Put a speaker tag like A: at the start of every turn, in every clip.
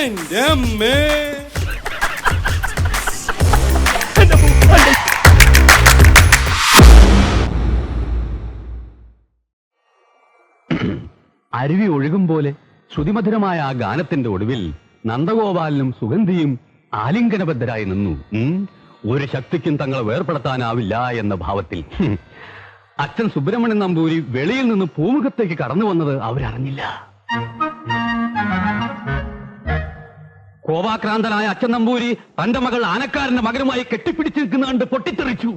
A: എന്റെ അമ്മേ.
B: അരുവി ഒഴുകും പോലെ ശ്രുതിമധുരമായ ആ ഗാനത്തിന്റെ ഒടുവിൽ നന്ദഗോപാലനും സുഗന്ധിയും ആലിംഗനബദ്ധരായി നിന്നു. ഒരു ശക്തിക്കും തങ്ങളെ വേർപെടുത്താനാവില്ല എന്ന ഭാവത്തിൽ. അച്ഛൻ സുബ്രഹ്മണ്യൻ നമ്പൂരി വെളിയിൽ നിന്ന് പൂമുഖത്തേക്ക് കടന്നു വന്നത് അവരറിഞ്ഞില്ല. കോപാക്രാന്തനായ അച്ഛൻ നമ്പൂരി തന്റെ മകൾ ആനക്കാരന്റെ മകനുമായി കെട്ടിപ്പിടിച്ചു നിൽക്കുന്ന കണ്ട് പൊട്ടിത്തെറിച്ചു.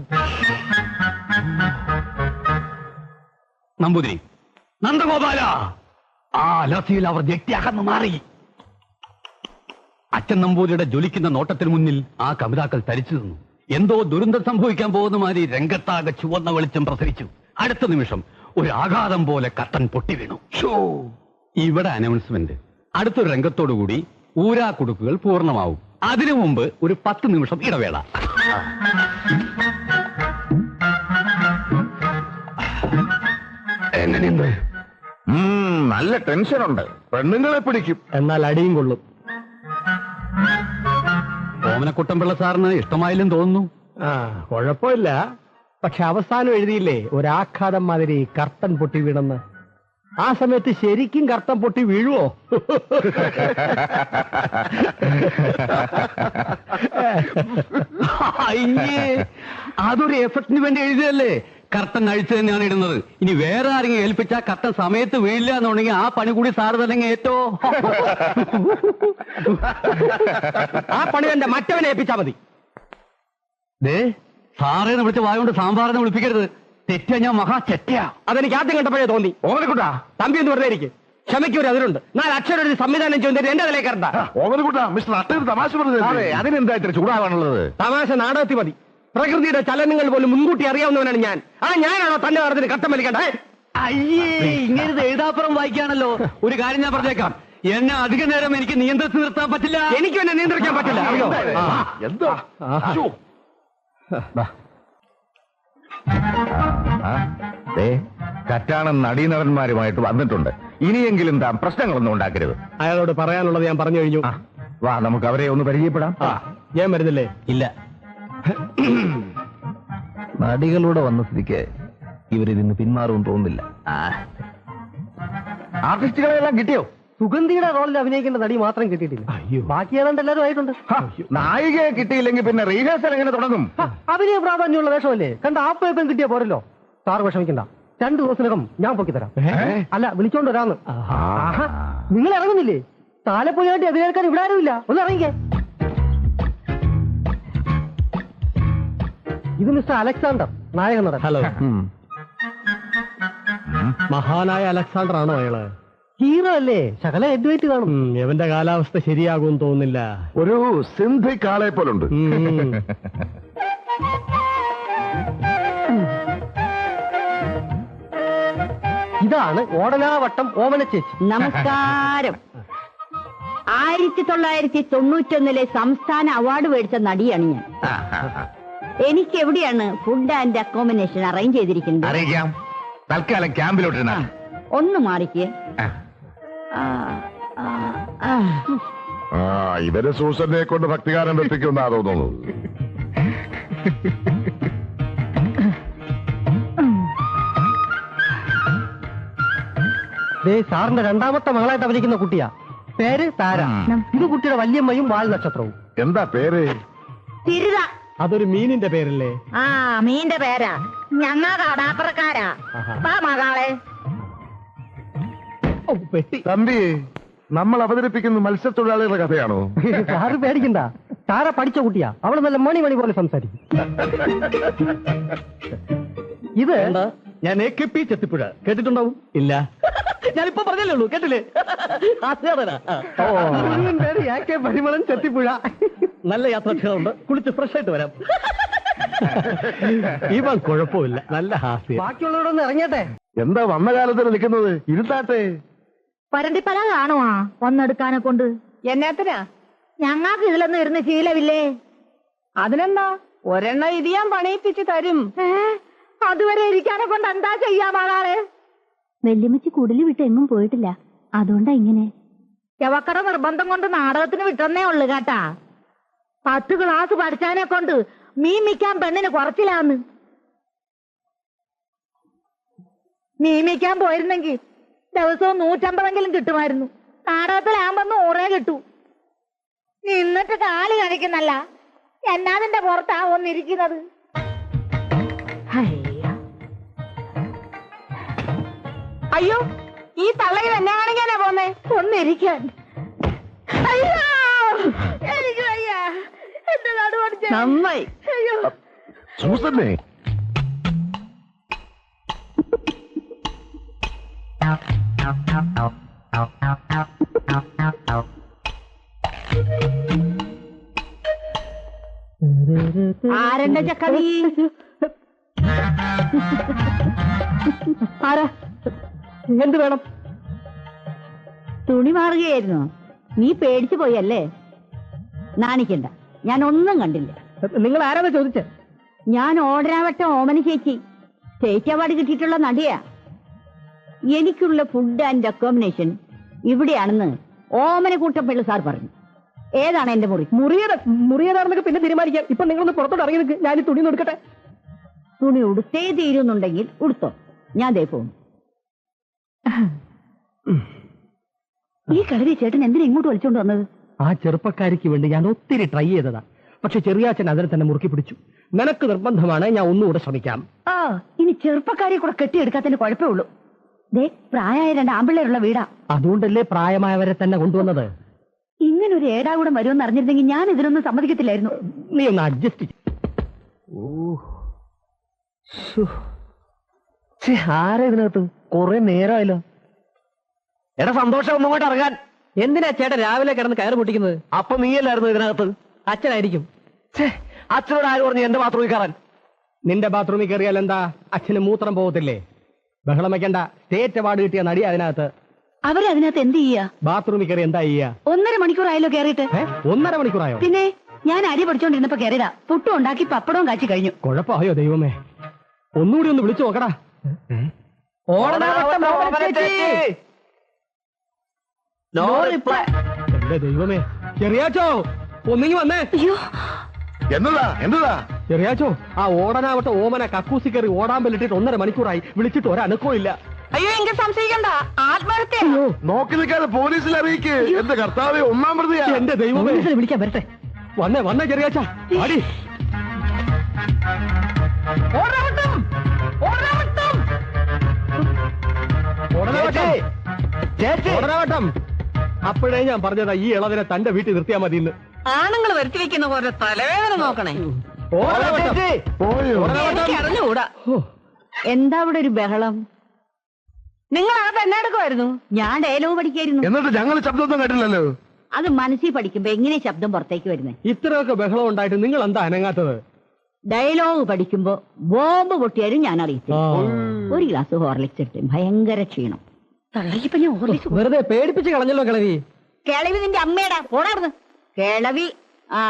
B: നമ്പൂതിരി, നന്ദഗോപാല! ആ ലസിയിൽ അവർ ജെട്ടിയാകന്നു മാറി. അച്ഛൻ നമ്പൂരിയുടെ ജ്വലിക്കുന്ന നോട്ടത്തിന് മുന്നിൽ ആ കവിതാക്കൾ തരിച്ചു നിന്നു. എന്തോ ദുരന്തം സംഭവിക്കാൻ പോകുന്ന മാതിരി രംഗത്താകെ ചുവന്ന വെളിച്ചം പ്രസരിച്ചു. അടുത്ത നിമിഷം ഒരു ആഘാതം പോലെ കർട്ടൻ പൊട്ടി വീണു. ഇവിടെ അനൗൺസ്മെന്റ്. അടുത്തൊരു രംഗത്തോടുകൂടി ഊരാക്കുടുക്കുകൾ പൂർണ്ണമാവും. അതിനു മുമ്പ് ഒരു 10 നിമിഷം ഇടവേള. എങ്ങനെയുണ്ട്?
C: നല്ല ടെൻഷനുണ്ട്. പെണ്ണുങ്ങളെ പിടിക്കും,
D: എന്നാൽ അടിയും കൊള്ളും.
B: ഓമനക്കുട്ടൻപിള്ള സാറിന് ഇഷ്ടമായില്ലെന്ന് തോന്നുന്നു.
D: കുഴപ്പമില്ല. പക്ഷെ അവസാനം എഴുതിയില്ലേ ഒരാഘാതം മാതിരി കർട്ടൻ പൊട്ടി വീണെന്ന്. ആ സമയത്ത് ശരിക്കും കർട്ടൻ പൊട്ടി വീഴുവോ?
B: അയ്യേ, അതൊരു എഫക്റ്റിന് വേണ്ടി എഴുതിയല്ലേ. കർട്ടൻ അഴിച്ചു തന്നെയാണ് ഇടുന്നത്. ഇനി വേറെ ആരെങ്കിലും ഏൽപ്പിച്ചാ കർട്ടൻ സമയത്ത് വീഴില്ല എന്നുണ്ടെങ്കിൽ ആ പണി കൂടി സാറ് തന്നെ ഏറ്റോ.
D: ആ പണി എന്റെ മറ്റവനെ ഏൽപ്പിച്ചാ മതി.
B: സാറേന്ന് വിളിച്ച വായുകൊണ്ട് സാമ്പാറിനെ വിളിപ്പിക്കരുത്. തെറ്റാ, ഞാൻ മഹാ ചെറ്റയാ.
D: അതെനിക്ക് ആദ്യം കണ്ടപ്പോഴേ തോന്നി.
C: ഓമനക്കുട്ടാ,
D: തമ്പി എന്ന് വെറുതെ ഇരിക്കും. ക്ഷമയ്ക്കൊരു അതിലുണ്ട്. 4 അക്ഷരം ഒരു സംവിധാനം ചെയ്യുന്നത് എന്റെ അതിലേക്ക് കണ്ട.
C: ഓമനക്കുട്ടാ, മിസ്റ്റർ അട്ടൊരു തമാശ പറഞ്ഞത്. അതിനെന്താ ഇത്ര ചൂടാവാനുള്ളത്?
D: തമാശ നാടകത്തിൽ മതി. പ്രകൃതിയുടെ ചലനങ്ങൾ പോലും മുൻകൂട്ടി അറിയാവുന്നവനാണ് ഞാൻ. ഞാനാണോ തന്റെ പറഞ്ഞതിന് കട്ടം വലിക്കണ്ടേ?
B: അയ്യേ, ഇങ്ങനെ എഴുതാപ്പുറം വായിക്കാണല്ലോ. ഒരു കാര്യം ഞാൻ പറഞ്ഞേക്കാം, എന്നെ അധിക നേരം എനിക്ക് നിയന്ത്രിച്ച് നിർത്താൻ പറ്റില്ല.
D: എനിക്കും എന്നെ നിയന്ത്രിക്കാൻ പറ്റില്ല.
C: എന്താ കറ്റാണൻ നടീനടന്മാരുമായിട്ട് വന്നിട്ടുണ്ട്. ഇനിയെങ്കിലും താൻ പ്രശ്നങ്ങളൊന്നും ഉണ്ടാക്കരുത്.
D: അയാളോട് പറയാനുള്ളത് ഞാൻ പറഞ്ഞു കഴിഞ്ഞു.
C: വാ, നമുക്ക് അവരെ ഒന്ന് പരിചയപ്പെടാം.
D: ഞാൻ വരുന്നില്ലേ?
B: ഇല്ല.
E: നടികളൂടെ വന്ന സ്ഥിതിക്ക് ഇവരിന്ന് പിന്മാറുമെന്ന് തോന്നുന്നില്ല.
C: ആർട്ടിസ്റ്റുകളെല്ലാം കിട്ടിയോ?
D: സുഗന്ധിയുടെ റോളിൽ അഭിനയിക്കേണ്ട നടി മാത്രം കിട്ടിയിട്ടില്ല. ബാക്കി ഏതാണ്ട് എല്ലാവരും ആയിട്ടുണ്ട്.
C: നായികയെ കിട്ടിയില്ലെങ്കിൽ പിന്നെ റീഹേഴ്സൽ എങ്ങനെ തുടങ്ങും?
D: അഭിനയ പ്രാധാന്യമുള്ള വേഷമല്ലേ. കണ്ട ആപ്പേപ്പം കിട്ടിയാ പോരല്ലോ. സാർ വിഷമിക്കണ്ട, 2 ദിവസത്തിനകം ഞാൻ പൊക്കി തരാം. അല്ല, വിളിച്ചോണ്ട് വരാന്ന്. നിങ്ങൾ ഇറങ്ങുന്നില്ലേ? താലപ്പൊലിയായിട്ട് അഭിനയിക്കാൻ ഇവിടെ ആരുമില്ല. ഒന്ന് ഇറങ്ങിക്കേ. ഇത് മിസ്റ്റർ അലക്സാണ്ടർ, നായക നടൻ. ഹലോ. മഹാനായ അലക്സാണ്ടർ ആണോ അയാള്? ഹീറോ അല്ലേ? ശകല എഡ്വൈറ്റ് കാണും. എവന്റെ കാലാവസ്ഥ ശരിയാകും തോന്നുന്നില്ല.
C: ഒരു സിന്ധിക് ആളെ പോലുണ്ട്.
D: ഇതാണ് ഓടനാവട്ടം ഓമന ചേച്ചി.
F: നമസ്കാരം. 1991 സംസ്ഥാന അവാർഡ് മേടിച്ച നടിയാണ് ഞാൻ. എനിക്ക് എവിടെയാണ് ഫുഡ് ആൻഡ് അക്കോമഡേഷൻ അറേഞ്ച് ചെയ്തിരിക്കുന്നത്?
C: അറിയിക്കാം. തൽക്കാലം ക്യാമ്പിലോട്ട്
F: ഒന്ന് മാറിക്കേ.
C: ഇവര് സൂസനെ കൊണ്ട് ഭക്തികാരം വെപ്പിക്കുന്നാ തോന്നുന്നു.
D: സാറിന്റെ 2ാമത്തെ മകളായിട്ട് അഭിനയിക്കുന്ന കുട്ടിയാ. പേര് താര. ഇത് കുട്ടിയുടെ വല്യമ്മയും വാൽ നക്ഷത്രവും.
C: എന്താ പേര്?
F: തിരുത.
D: അതൊരു മീനിന്റെ പേരല്ലേ?
F: മീന്റെ പേരാ. ഞങ്ങ കടാപ്പുറക്കാരാ. മകളെ
C: തമ്പി, നമ്മൾ അവതരിപ്പിക്കുന്ന മത്സ്യത്തൊഴിലാളികളുടെ കഥയാണോ?
D: സാറ് പേടിക്കണ്ട, താര പഠിച്ച കുട്ടിയാ. അവള് നല്ല മണി പോലെ സംസാരിക്കും. ഇത്
B: ഞാൻ AKP ചെത്തിപ്പുഴ കേട്ടിട്ടുണ്ടാവും.
D: ഇല്ല,
B: ഞാനിപ്പോ പറഞ്ഞല്ലേ ഉള്ളൂ, കേട്ടില്ലേ?
D: പരിമളൻ ചെത്തിപ്പുഴ.
B: നല്ല യാത്രാക്ഷേത്രമുണ്ട്, കുളിച്ച് ഫ്രഷ് ആയിട്ട് വരാം.
D: ഇവൻ കുഴപ്പമില്ല, നല്ല ഹാസ്യം. ബാക്കിയുള്ളവരൊന്ന് ഇറങ്ങിയട്ടെ.
C: എന്താ വന്ന കാലത്തിൽ നിൽക്കുന്നത്? ഇരുത്താട്ടെ.
F: പരണ്ടിപ്പല കാണുവാ വന്നെടുക്കാനെ കൊണ്ട്. എന്നാത്തിനാ? ഞങ്ങൾക്ക് ഇതിലൊന്നും ഇരുന്ന് ശീലമില്ലേ.
G: അതിനെന്താ, ഒരെണ്ണം ഇത് ഞാൻ പണിയിപ്പിച്ച് തരും.
F: അതുവരെ ഇരിക്കാനെ കൊണ്ട് എന്താ ചെയ്യാ മകളെ? വെല്ലുമ്മച്ചി കുടില് വിട്ട് എങ്ങും പോയിട്ടില്ല, അതുകൊണ്ടാ ഇങ്ങനെ.
A: യവക്കട നിർബന്ധം കൊണ്ട് നാടകത്തിന് വിട്ടെന്നേ ഉള്ളു കേട്ടാ. 10 ക്ലാസ് പഠിച്ചാനെ കൊണ്ട് മീമിക്കാൻ പെണ്ണിന് കുറച്ചില്ലാന്ന്. മീമിക്കാൻ പോയിരുന്നെങ്കിൽ ദിവസവും 150 കിട്ടുമായിരുന്നു. നാടകത്തിലാകുമ്പോ 100 കിട്ടൂ. നിന്നിട്ട് കാല് കഴിക്കുന്നല്ല, എന്നാതിന്റെ പുറത്താ ഒന്നിരിക്കുന്നത്.
G: അയ്യോ, ഈ തള്ളയിൽ എന്നെ കാണിക്കാനാ പോന്നേ?
A: ഒന്നിരിക്കാൻ. അയ്യോ, എനിക്ക് വയ്യ. എന്റെ നടുവടിച്ച
G: നന്നായി.
A: അയ്യോ,
C: സൂസന്നേ,
F: ആരെന്റെ ചക്കവി?
D: ആരാ? എന്ത് വേണം?
F: തുണി മാറുകയായിരുന്നു. നീ പേടിച്ചു പോയല്ലേ? നാണിക്കണ്ട, ഞാൻ ഒന്നും കണ്ടില്ല.
D: നിങ്ങൾ ആരാന്ന് ചോദിച്ചേ?
F: ഞാൻ ഓടരാവട്ടം ഓമന ചേച്ചി, സ്റ്റേറ്റ് അവാർഡ് കിട്ടിയിട്ടുള്ള നടിയാ. എനിക്കുള്ള ഫുഡ് ആൻഡ് അക്കോമഡേഷൻ ഇവിടെയാണെന്ന് ഓമനക്കൂട്ടപ്പിള്ള സാർ പറഞ്ഞു. ഏതാണ് എന്റെ മുറി?
D: മുറിയതാണെന്നൊക്കെ പിന്നെ തീരുമാനിക്കാം. ഇപ്പൊ നിങ്ങളൊന്ന് പുറത്തോട്ട് ഇറങ്ങി നിൽക്ക്, ഞാൻ ഈ തുണി എടുക്കട്ടെ.
F: തുണി ഉടുത്തേ തീരുന്നുണ്ടെങ്കിൽ ഉടുത്തോ, ഞാൻ ദേ പോകും. ഈ കളരി ചേട്ടൻ എന്തിനാ ഇങ്ങോട്ട് വലിച്ചോണ്ട് വന്നത്?
D: ആ ചെറുപ്പക്കാരിക്ക് വേണ്ടി ഞാൻ ഒത്തിരി ട്രൈ ചെയ്തതാ. പക്ഷെ ചെറിയാച്ചൻ അതിനെ തന്നെ മുറുക്കി പിടിച്ചു. നിനക്ക് നിർബന്ധമാണ്, ഞാൻ ഒന്നുകൂടെ ശ്രമിക്കാം.
F: ആ, ഇനി ചെറുപ്പക്കാരെ കൂടെ കെട്ടിയെടുക്കാത്തതിന് കുഴപ്പമുള്ളൂ. ദേ, പ്രായമായ 2 ആമ്പിള്ളേരുള്ള വീടാ.
D: അതുകൊണ്ടല്ലേ പ്രായമായവരെ തന്നെ കൊണ്ടുവന്നത്.
F: ഇങ്ങനൊരു ഏടാകൂടം വരുമെന്ന് അറിഞ്ഞിരുന്നെങ്കിൽ ഞാൻ ഇതിനൊന്നും സമ്മതിക്കത്തില്ലായിരുന്നു.
D: നീ ഒന്ന് അഡ്ജസ്റ്റ്. ആരാ ഇതിനകത്ത്? കുറെ നേരമായല്ലോ. എടാ സന്തോഷം, ഒന്നും കൂടെ ഇറങ്ങാൻ. എന്തിനാ ചേട്ടൻ രാവിലെ കിടന്ന് കയറ് പൊട്ടിക്കുന്നത്? അപ്പൊ നീയല്ലായിരുന്നു ഇതിനകത്ത്? അച്ഛനായിരിക്കും. അച്ഛനോട് ആര് പറഞ്ഞു എന്റെ ബാത്റൂമിൽ കയറാൻ? നിന്റെ ബാത്റൂമിൽ കയറിയാൽ എന്താ, അച്ഛന് മൂത്രം പോകത്തില്ലേ? ബഹളം വെക്കണ്ട. സ്റ്റേറ്റ് അവാർഡ് കിട്ടിയ നടി അതിനകത്ത്.
F: അവരതിനകത്ത് എന്ത് ചെയ്യാ?
D: ബാത്റൂമിൽ കയറി എന്താ ചെയ്യാ?
F: 1.5 മണിക്കൂറായല്ലോ കയറിയിട്ട്.
D: 1.5 മണിക്കൂറായോ?
F: പിന്നെ ഞാൻ അരി പഠിച്ചോണ്ടിരുന്നപ്പോ കയറിയതാ. പുട്ടും ഉണ്ടാക്കി പപ്പടവും കാച്ചി കഴിഞ്ഞു.
D: കുഴപ്പമായോ ദൈവമേ? ഒന്നുകൂടി ഒന്ന് വിളിച്ചു നോക്കടാ. എന്റെ ദൈവമേ, ചെറിയാച്ചോ ഒന്നിങ്ങി വന്നേ.
C: എന്നതാ
D: ചെറിയാച്ചോ, ആ ഓടനാവട്ടെ ഓമന കക്കൂസി കയറി ഓടാൻ പറ്റിട്ട് 1.5 മണിക്കൂറായി. വിളിച്ചിട്ട് ഒരനക്കവും ഇല്ല.
G: അയ്യോ, എങ്കിൽ സംശയിക്കണ്ട, ആത്മഹത്യ.
C: നോക്കി നിൽക്കാതെ പോലീസിൽ അറിയിക്ക്. എന്റെ കർത്താവേ, 1-ാം പ്രതിയാ.
D: എന്റെ ദൈവമേ,
F: വിളിക്കാൻ വരട്ടെ.
D: വന്നേ ചെറിയാച്ച, അടി. ഓടനാവട്ടം. അപ്പോഴേ ഞാൻ പറഞ്ഞതാ ഈ ഇളവിനെ തന്റെ വീട്ടിൽ നിർത്തിയാ മതി. ഇന്ന്
G: ആണുങ്ങൾ വരുത്തി വെക്കുന്ന പോലെ തലവേദന നോക്കണേ. എനിക്ക് അറിഞ്ഞുകൂടാ.
F: എന്താ ഇവിടെ ഒരു ബഹളം?
G: നിങ്ങൾ അത് എന്നെ എടുക്കുമായിരുന്നു?
F: ഞാൻ ഡയലോഗ് പഠിക്കായിരുന്നു.
C: എന്നിട്ട് ഞങ്ങൾ ശബ്ദമൊന്നും കേട്ടില്ലല്ലോ.
F: അത് മനസ്സിൽ പഠിക്കുമ്പോ എങ്ങനെ ശബ്ദം പുറത്തേക്ക് വരുന്നേ?
D: ഇത്രയൊക്കെ ബഹളം ഉണ്ടായിട്ട് നിങ്ങൾ എന്താ അനങ്ങാത്തത്?
F: ഡയലോഗ് പഠിക്കുമ്പോ ബോംബ് പൊട്ടിയാലും ഞാൻ അറിയിച്ചു. 1 ഗ്ലാസ് ഹോർലിക്സ് എടുത്ത് ഭയങ്കര ക്ഷീണം. തള്ളയിപ്പോ ഞാൻ ഹോർലിക്സ്
D: വെറുതെ പേടിപ്പിച്ച് കളഞ്ഞല്ലോ കിളവി.
F: കിളവി നിന്റെ അമ്മയുടെ പോടാർന്ന് കിളവി. ആ,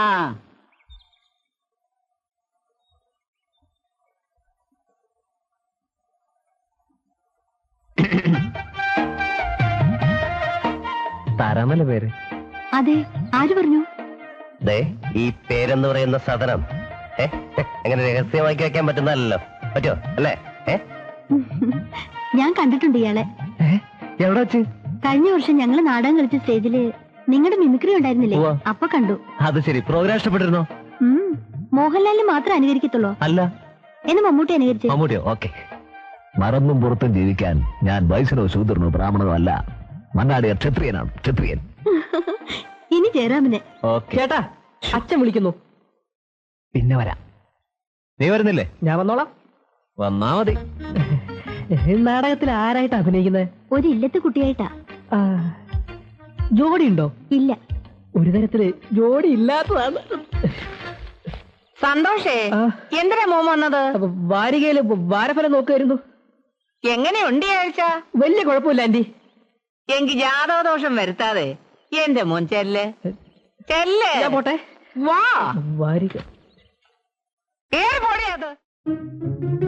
E: തരാമല്ല പേര്.
F: അതെ, ആര് പറഞ്ഞു?
H: ഈ പേരെന്ന് പറയുന്ന സാധനം എങ്ങനെ രഹസ്യമാക്കി വെക്കാൻ പറ്റുന്നല്ലോ. പറ്റോ അല്ലേ?
F: ഞാൻ കണ്ടിട്ടുണ്ട് ഇയാളെ.
E: എവിടെ വെച്ച്?
F: കഴിഞ്ഞ വർഷം ഞങ്ങള് നാടകം കളിച്ച സ്റ്റേജില് നിങ്ങളുടെ മിമിക്രി ഉണ്ടായിരുന്നില്ലേ? അപ്പൊ കണ്ടു.
E: അത് ശരി. പ്രോഗ്രാം ഇഷ്ടപ്പെട്ടിരുന്നോ?
F: മോഹൻലാലിന് മാത്രം അനുകരിക്കത്തുള്ളൂ.
E: അല്ല,
F: എന്ന് മമ്മൂട്ടി അനുകരിച്ചു.
E: മമ്മൂട്ടിയോ? ഓക്കെ. മറന്നും പുറത്തും ജീവിക്കാൻ ഞാൻ വൈശ്യനോ ശൂദ്രനോ ബ്രാഹ്മണനോ അല്ല. മണ്ണാടിയ ക്ഷത്രിയനാണ്. ക്ഷത്രിയൻ.
F: ഇനി ജയറാമിനെ.
D: ചേട്ടാ, അച്ഛൻ വിളിക്കുന്നു.
E: പിന്നെ വരാം. നീ വരുന്നില്ലേ?
D: ഞാൻ വന്നോളാം.
E: വന്നാ മതി.
D: നാടകത്തിൽ ആരായിട്ട് അഭിനയിക്കുന്നത്?
F: ഒരു ഇല്ലത്തെ കുട്ടിയായിട്ടാ.
D: ജോഡി ഉണ്ടോ?
F: ഇല്ല.
D: ഒരു തരത്തില് ജോഡി ഇല്ലാത്തതാണ്.
G: സന്തോഷേ, എന്തിനാ മോൻ വന്നത്?
D: വാരികയില് വാരഫലം നോക്കുമായിരുന്നു.
G: എങ്ങനെയുണ്ട് ഈ ആഴ്ച?
D: വലിയ കുഴപ്പമില്ല ആന്റി.
G: എങ്കിൽ ജാതകദോഷം വരുത്താതെ എന്റെ മോൻ ചെല്ല്.
D: ഞാൻ പോട്ടെ.
G: വാ.
D: വാരിക
G: ഏത് പൊടിയത്?